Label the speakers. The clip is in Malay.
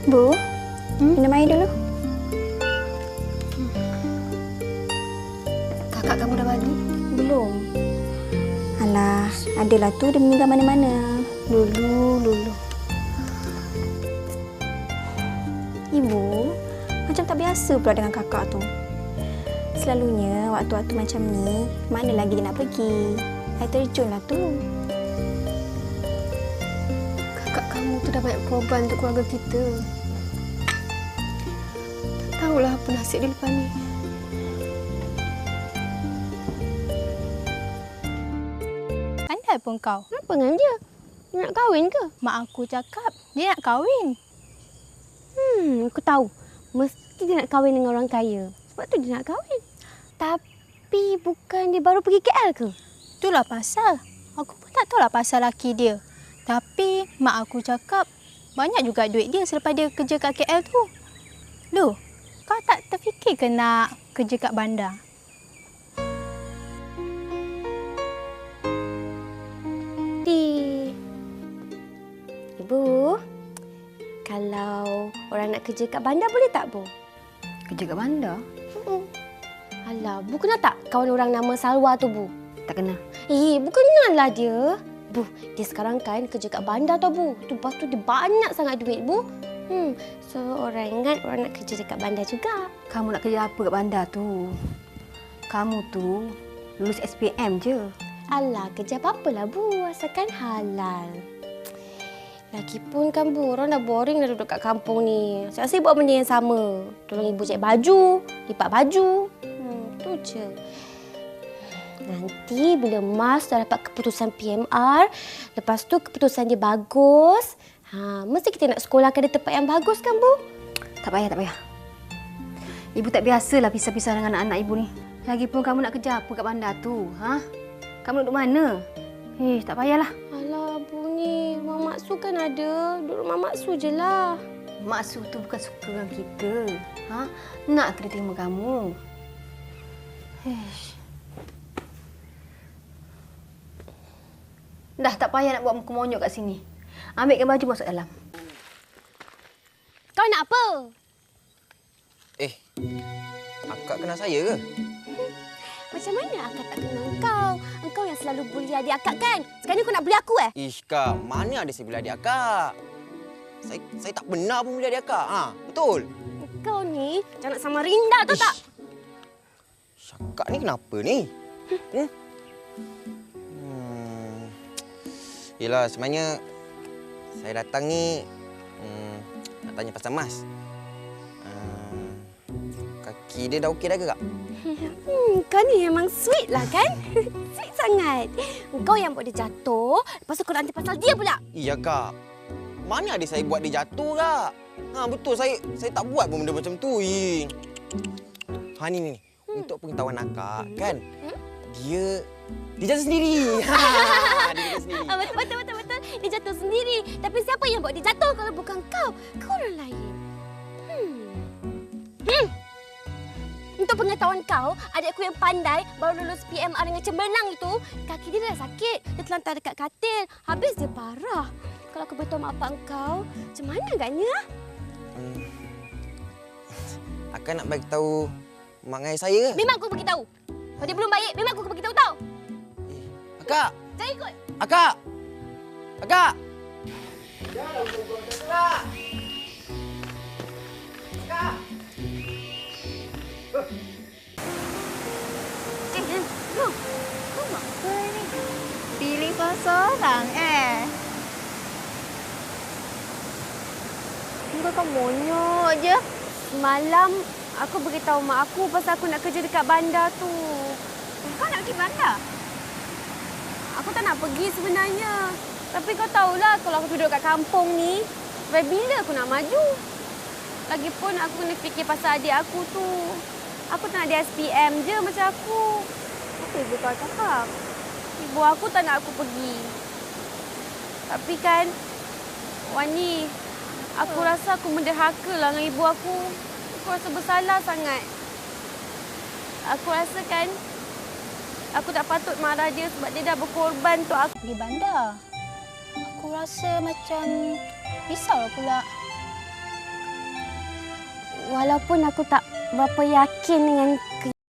Speaker 1: Bu, minum air dulu.
Speaker 2: Kakak kamu dah balik?
Speaker 1: Belum. Alah, adalah tu dia meninggal mana-mana. Lulu. Ibu, macam tak biasa pula dengan kakak tu. Selalunya waktu-waktu macam ni, mana lagi dia nak pergi? Air terjun lah tu.
Speaker 2: Kakak kamu tu dah banyak korban untuk keluarga kita. Tak tahulah apa nasib dia lepas ni.
Speaker 3: Pandai pun kau.
Speaker 2: Apa dengan dia? Dia nak kahwin ke?
Speaker 3: Mak aku cakap dia nak kahwin.
Speaker 2: Aku tahu. Mesti dia nak kahwin dengan orang kaya. Sebab tu dia nak kahwin. Tapi bukan dia baru pergi KL ke?
Speaker 3: Itulah pasal. Aku pun tak tahulah pasal laki dia. Tapi mak aku cakap banyak juga duit dia selepas dia kerja kat KL tu. Loh, kau tak terfikir ke nak kerja kat bandar?
Speaker 2: Ibu, kalau orang nak kerja kat bandar boleh tak, Bu?
Speaker 4: Kerja kat bandar?
Speaker 2: Alah, Bu kenal tak kawan orang nama Salwa tu, Bu?
Speaker 4: Tak kenal.
Speaker 2: Bu kenal lah dia. Bu, dia sekarang kan kerja kat bandar tau, Bu. Lepas tu dia banyak sangat duit, Bu. So, orang ingat orang nak kerja dekat bandar juga.
Speaker 4: Kamu nak kerja apa kat bandar tu? Kamu tu lulus SPM je.
Speaker 2: Alah, kerja apa-apalah, Bu. Asalkan halal. Lagipun kan, Bu, orang dah boring dah duduk kat kampung ni. Saya rasa buat benda yang sama. Tolong ibu jahit baju, lipat baju. Tu je. Nanti bila Mas dah dapat keputusan PMR, lepas tu keputusan dia bagus, mesti kita nak sekolahkan di tempat yang bagus kan, Bu?
Speaker 4: Tak payah. Ibu tak biasalah pisah-pisah dengan anak-anak ibu ni. Lagipun kamu nak kerja apa kat bandar tu? Kamu duduk mana? Tak payahlah.
Speaker 2: Alah, Bu ni, Mak Maksu kan ada. Duduk rumah Maksu je lah.
Speaker 4: Maksu tu bukan suka dengan kita. Nak kena terima kamu. Dah tak payah nak buat muka monyok kat sini. Ambilkan baju masuk dalam.
Speaker 2: Kau nak apa?
Speaker 5: Akak kenal saya ke?
Speaker 2: Macam mana akak tak kenal kau? Engkau yang selalu bully adik akak kan? Sekarang ni kau nak bully aku
Speaker 5: Ish, Kak. Mana ada saya bully adik akak? Saya tak benar pun bully adik akak. Betul?
Speaker 2: Kau ni jangan nak sama Rinda tahu tak?
Speaker 5: Akak ni kenapa ni? Yelah, sebenarnya saya datang ni nak tanya pasal Mas. Kaki dia dah okey dah ke, Kak?
Speaker 2: Kau ni memang sweet lah kan? Sweet sangat. Kau yang buat dia jatuh, lepas tu kau nanti pasal dia pula.
Speaker 5: Iya, Kak. Mana ada saya buat dia jatuh, Kak? Betul. Saya tak buat pun benda macam tu. Ni. Untuk pengetahuan akak, kan? Dia jatuh sendiri. Dia jatuh sendiri.
Speaker 2: Betul. Dia jatuh sendiri. Tapi siapa yang buat dia jatuh kalau bukan kau? Kau orang lain. Untuk pengetahuan kau, adikku yang pandai baru lulus PMR dengan cemerlang itu, kaki dia dah sakit. Dia terlantar dekat katil. Habis dia parah. Kalau aku beritahu mak bapak kau, macam mana agaknya?
Speaker 5: Akak nak bagi tahu mak dengan ayah saya ke?
Speaker 2: Memang aku beritahu. Kalau dia belum baik, memang aku beritahu tau.
Speaker 5: Akak!
Speaker 2: Jangan ikut.
Speaker 5: Akak! Akak!
Speaker 3: Kau buat apa ni? Pilih seorang
Speaker 2: Kau monyok je. Semalam aku beritahu mak aku pasal aku nak kerja dekat bandar tu.
Speaker 3: Kau nak pergi bandar?
Speaker 2: Aku tak nak pergi sebenarnya. Tapi kau tahulah kalau aku duduk kat kampung ni, sampai bila aku nak maju? Lagipun aku kena fikir pasal adik aku tu. Aku tak nak dia SPM je macam aku. Apa ibu kau cakap? Ibu aku tak nak aku pergi. Tapi kan, Wani, aku rasa aku menderhaka lah dengan ibu aku. Aku rasa bersalah sangat. Aku rasa kan, aku tak patut marah dia sebab dia dah berkorban untuk aku.
Speaker 3: Pergi bandar. Aku rasa macam risau pula.
Speaker 2: walaupun aku tak berapa yakin dengan